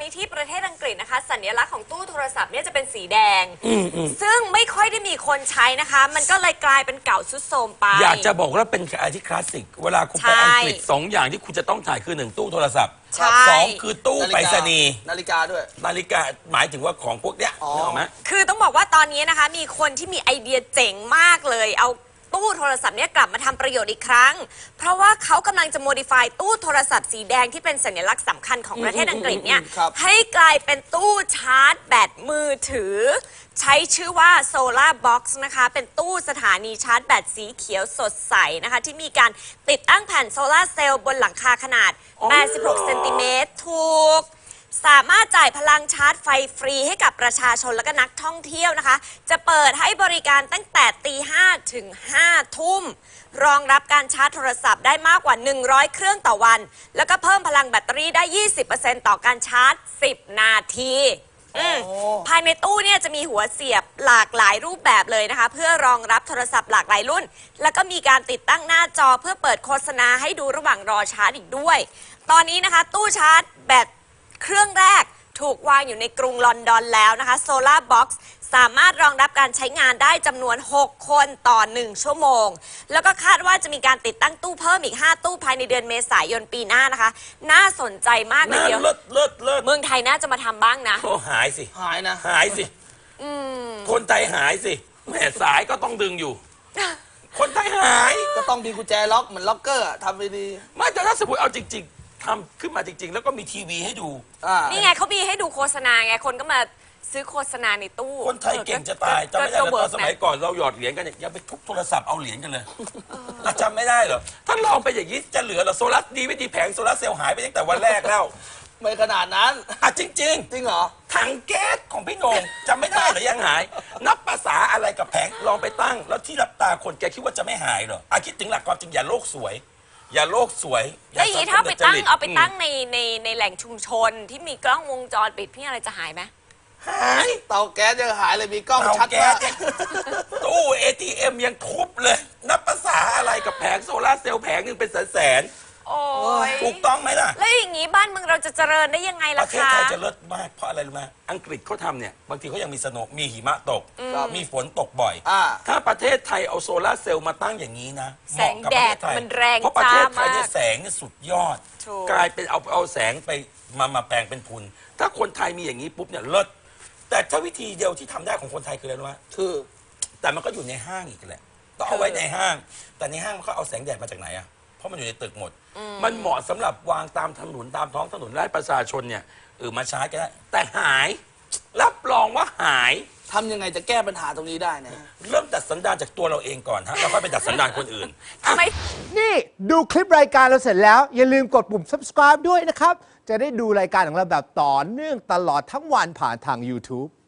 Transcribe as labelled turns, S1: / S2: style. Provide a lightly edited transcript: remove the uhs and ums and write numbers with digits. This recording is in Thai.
S1: นี้ที่ประเทศอังกฤษนะคะสัญลักษณ์ของตู้โทรศัพท์เนี่ยจะเป็นสีแดงซึ่งไม่ค่อยได้มีคนใช้นะคะมันก็เลยกลายเป็นเก่าทรุดโทรมไป
S2: อยากจะบอกว่าเป็นอะไรที่คลาสสิกเวลาคุณไปอังกฤษ2 อย่างที่คุณจะต้องถ่ายคือ1ตู้โทรศัพท์2คือตู้ไปรษณีย์
S3: นาฬิกาด้วย
S2: นาฬิกาหมายถึงว่าของพวกเนี้ยนึกออกไหม
S1: คือต้องบอกว่าตอนนี้นะคะมีคนที่มีไอเดียเจ๋งมากเลยเอาตู้โทรศัพท์เนี่ยกลับมาทำประโยชน์อีกครั้งเพราะว่าเขากำลังจะโมดิฟายตู้โทรศัพท์สีแดงที่เป็นสัญลักษณ์สำคัญของประเทศอังกฤษเนี่ยให้กลายเป็นตู้ชาร์จแบตมือถือใช้ชื่อว่า Solar Box นะคะเป็นตู้สถานีชาร์จแบตสีเขียวสดใสนะคะที่มีการติดตั้งแผ่นโซลาร์เซลล์บนหลังคาขนาด86 เซนติเมตรถูกสามารถจ่ายพลังชาร์จไฟฟรีให้กับประชาชนและก็นักท่องเที่ยวนะคะจะเปิดให้บริการตั้งแต่ตี 5 ถึง 5 ทุ่มรองรับการชาร์จโทรศัพท์ได้มากกว่า100 เครื่องต่อวันแล้วก็เพิ่มพลังแบตเตอรี่ได้ 20% ต่อการชาร์จ 10 นาทีภายในตู้เนี่ยจะมีหัวเสียบหลากหลายรูปแบบเลยนะคะเพื่อรองรับโทรศัพท์หลากหลายรุ่นแล้วก็มีการติดตั้งหน้าจอเพื่อเปิดโฆษณาให้ดูระหว่างรอชาร์จอีกด้วยตอนนี้นะคะตู้ชาร์จแบตเครื่องแรกถูกวางอยู่ในกรุงลอนดอนแล้วนะคะ Solar Box สามารถรองรับการใช้งานได้จำนวน6 คนต่อ1 ชั่วโมงแล้วก็คาดว่าจะมีการติดตั้งตู้เพิ่มอีก5 ตู้ภายในเดือนเมษายนปีหน้านะคะน่าสนใจมากเลยเดียว
S2: เลิศ
S1: เมืองไทยน่าจะมาทำบ้างนะ
S2: โอ้หายสิ
S3: หายนะ
S2: หายสิคนไทยหายสิแม่สายก็ต้องดึงอยู่คนไทยหาย
S3: ก็ต้องมีกุญแจล็อกเหมือนล็อกเกอร์ทำไปดี
S2: ไม่แต่ถ้าสมมติเอาจริงๆทำขึ้นมาจริงๆแล้วก็มีทีวีให้ดู
S1: นี่ไงเขามีให้ดูโฆษณาไงคนก็มาซื้อโฆษณาในตู้
S2: คนไทยเก่งจะตายจำไม่ได้เลยตอนสมัยก่อนเราหยอดเหรียญกันยังไปทุบโทรศัพท์เอาเหรียญกันเลยจำไม่ได้เหรอถ้าลองไปอย่างนี้จะเหลือเหรอโซลาร์ดีไม่ดีแผงโซลาร์เซลล์หายไปตั้งแต่วันแรกแล้ว
S3: ไม่ขนาดนั้น
S2: จริง
S3: จริงเหรอ
S2: ถังแก๊สของพี่โหน่งจำไม่ได้หรือยังหายนับภาษาอะไรกับแผงลองไปตั้งแล้วที่รับตาคนแกคิดว่าจะไม่หายเหรอคิดถึงหลักความจริงอย่าโลกสวยอย่าโลกสวย
S1: แล้วอย่างนี้ถ้าไปตั้งเอาไปตั้งในแหล่งชุมชนที่มีกล้องวงจรปิดพี่อะไรจะหายไหม
S2: หาย
S3: เตาแก๊สยังหายเลยมีกล้องชัดมาก
S2: ตู้ ATM ยังทุบเลยนับภาษาอะไรกับแผงโซลาร์เซลล์แผงหนึ่งเป็นแสน
S1: โอ้ย
S2: ถูกต้องไหมล่ะ
S1: แล้วอย่างนี้บ้านเมืองเราจะเจริญได้ยังไงล่ะคะ
S2: ประเทศไทยจะเลิศมากเพราะอะไรรู้ไหมอังกฤษเขาทำเนี่ยบางทีเขายังมีสโนว์มีหิมะตกมีฝนตกบ่อยถ้าประเทศไทยเอาโซลาร์เซลล์มาตั้งอย่างนี้นะ
S1: แสงแดดมันแรง
S2: เพราะประเทศไทยเนี่ยแสงเนี่ยสุดยอดกลายเป็นเอาแสงไปมาแปลงเป็นทุนถ้าคนไทยมีอย่างนี้ปุ๊บเนี่ยเลิศแต่ถ้าวิธีเดียวที่ทำได้ของคนไทยคืออะไรรู้ไหม
S3: คือ
S2: แต่มันก็อยู่ในห้างอีกแหละต้องเอาไว้ในห้างแต่ในห้างเขาเอาแสงแดดมาจากไหนอะเพราะมันอยู่ในตึกหมดมันเหมาะสำหรับวางตามถนนตามท้องถนนให้ประชาชนเนี่ยมาชาร์จกันได้แต่หายรับรองว่าหาย
S3: ทำยังไงจะแก้ปัญหาตรงนี้ได้นะ
S2: เริ่มดัดสันดานจากตัวเราเองก่อนฮะแล้วค่อยไปดัดสันดานคนอื่น
S1: ทำไม
S4: นี่ดูคลิปรายการเราเสร็จแล้วอย่าลืมกดปุ่ม subscribe ด้วยนะครับจะได้ดูรายการของเราแบบต่อเนื่องตลอดทั้งวันผ่านทาง YouTube